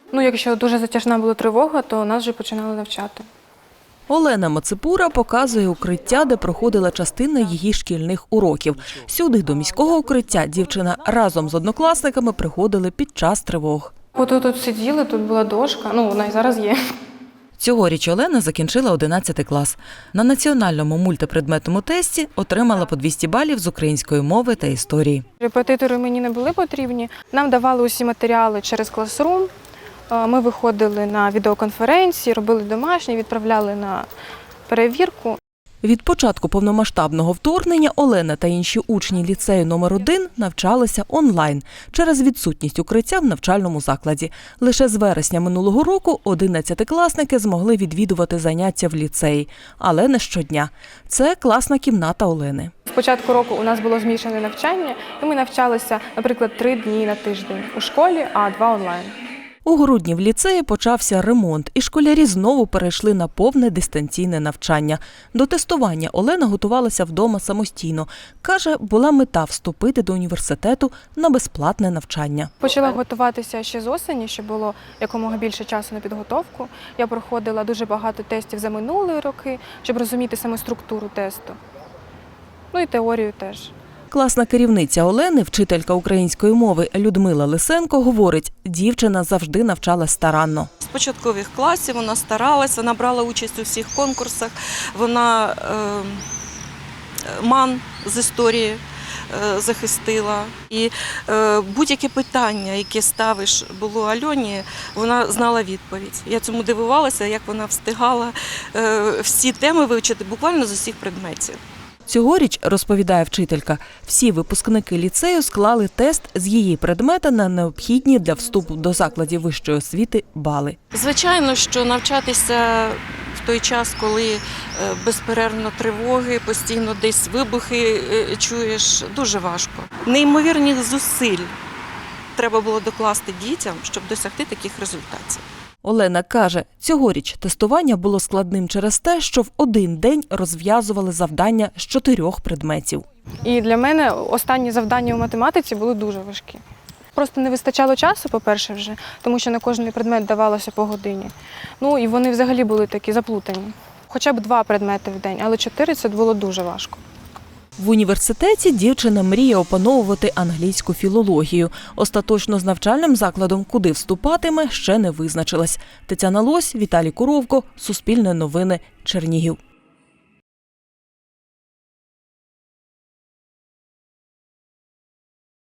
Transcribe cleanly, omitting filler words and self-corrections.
Якщо дуже затяжна була тривога, то нас вже починали навчати. Олена Мацепура показує укриття, де проходила частина її шкільних уроків. Сюди, до міського укриття, дівчина разом з однокласниками приходили під час тривог. Тут сиділи, тут була дошка, вона і зараз є. Цьогоріч Олена закінчила 11 клас. На національному мультипредметному тесті отримала по 200 балів з української мови та історії. Репетитори мені не були потрібні. Нам давали усі матеріали через Classroom. Ми виходили на відеоконференції, робили домашні, відправляли на перевірку. Від початку повномасштабного вторгнення Олена та інші учні ліцею номер 1 навчалися онлайн через відсутність укриття в навчальному закладі. Лише з вересня минулого року 11-класники змогли відвідувати заняття в ліцеї, але не щодня. Це класна кімната Олени. З початку року у нас було змішане навчання, і ми навчалися, наприклад, 3 дні на тиждень у школі, а 2 онлайн. У грудні в ліцеї почався ремонт, і школярі знову перейшли на повне дистанційне навчання. До тестування Олена готувалася вдома самостійно. Каже, була мета вступити до університету на безплатне навчання. Почала готуватися ще з осені, щоб було якомога більше часу на підготовку. Я проходила дуже багато тестів за минулі роки, щоб розуміти саме структуру тесту. І теорію теж. Класна керівниця Олени, вчителька української мови Людмила Лисенко, говорить, дівчина завжди навчалась старанно. З початкових класів вона старалась, вона брала участь у всіх конкурсах, вона МАН з історії захистила. І будь-яке питання, яке ставиш було Альоні, вона знала відповідь. Я цьому дивувалася, як вона встигала всі теми вивчити буквально з усіх предметів. Цьогоріч, розповідає вчителька, всі випускники ліцею склали тест з її предмета на необхідні для вступу до закладів вищої освіти бали. Звичайно, що навчатися в той час, коли безперервно тривоги, постійно десь вибухи чуєш, дуже важко. Неймовірних зусиль треба було докласти дітям, щоб досягти таких результатів. Олена каже, цьогоріч тестування було складним через те, що в один день розв'язували завдання з 4 предметів. І для мене останні завдання у математиці були дуже важкі. Просто не вистачало часу, по-перше, вже, тому що на кожний предмет давалося по годині. І вони взагалі були такі заплутані. Хоча б 2 предмети в день, але 4 – це було дуже важко. В університеті дівчина мріє опановувати англійську філологію. Остаточно з навчальним закладом, куди вступатиме, ще не визначилась. Тетяна Лось, Віталій Куровко, Суспільне новини, Чернігів.